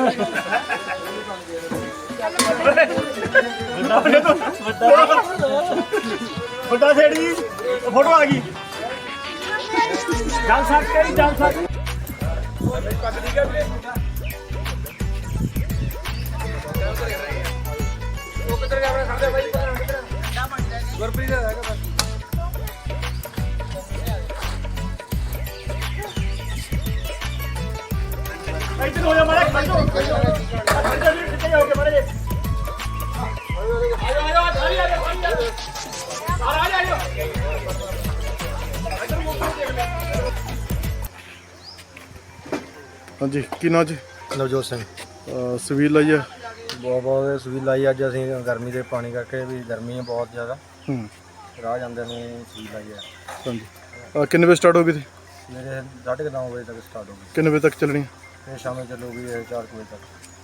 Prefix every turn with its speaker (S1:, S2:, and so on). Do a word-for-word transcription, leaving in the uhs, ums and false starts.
S1: ਵੱਡਾ ਛੇੜੀ ਫੋਟੋ ਆ ਗਈ ਚੱਲ ਸਕਦੇ ਨਹੀਂ ਚੱਲ ਸਕਦੇ ਉਹ ਕਿੱਧਰ ਗਿਆ ਆਪਣੇ ਖੜਦੇ ਬਾਈ ਗੁਰਪ੍ਰੀਤ ਦਾ ਹੈਗਾ ਬਸ ਇੱਧਰ ਹੋ ਜਾ ਮਾਰੇ ਖੜੋ ਖੜੋ ਕਿੱਥੇ ਜਾਓਗੇ ਮਾਰੇ ਆਜੋ ਆਜੋ ਸਾਰੀ ਆ ਜਾ ਸਾਰੀ ਆ ਜਾ ਆ ਜਾ ਇੱਧਰ ਮੋਟਰ ਦੇਖ ਲੈ
S2: ਹਾਂਜੀ ਕੀ ਨਾਂ ਜੀ?
S3: ਨਵਜੋਤ ਸਿੰਘ।
S2: ਸਵੀਲ ਲਾਈ ਹੈ
S3: ਬਹੁਤ ਬਹੁਤ ਸਵੀਲ ਲਾਈ ਅੱਜ ਅਸੀਂ ਗਰਮੀ ਦੇ ਪਾਣੀ ਕਰਕੇ ਵੀ ਗਰਮੀ ਹੈ ਬਹੁਤ ਜ਼ਿਆਦਾ
S2: ਹੂੰ
S3: ਰਾਹ ਜਾਂਦੇ ਨੂੰ ਸਵੀਲ ਲਾਈ ਹੈ।
S2: ਹਾਂਜੀ ਅਹ ਕਿੰਨੇ ਵਜੇ ਸਟਾਰਟ ਹੋ ਗਈ ਸੀ?
S3: ਮੇਰੇ ਸਾਢੇ ਕੁ ਨੌ ਵਜੇ ਤੱਕ ਸਟਾਰਟ ਹੋ ਗਈ।
S2: ਕਿੰਨੇ ਵਜੇ ਤੱਕ ਚੱਲਣੀ ਹੈ?
S3: ਫਿਰ ਸ਼ਾਮੇ ਚੱਲੂਗੀ ਚਾਰ ਕੁ ਵਜੇ ਤੱਕ।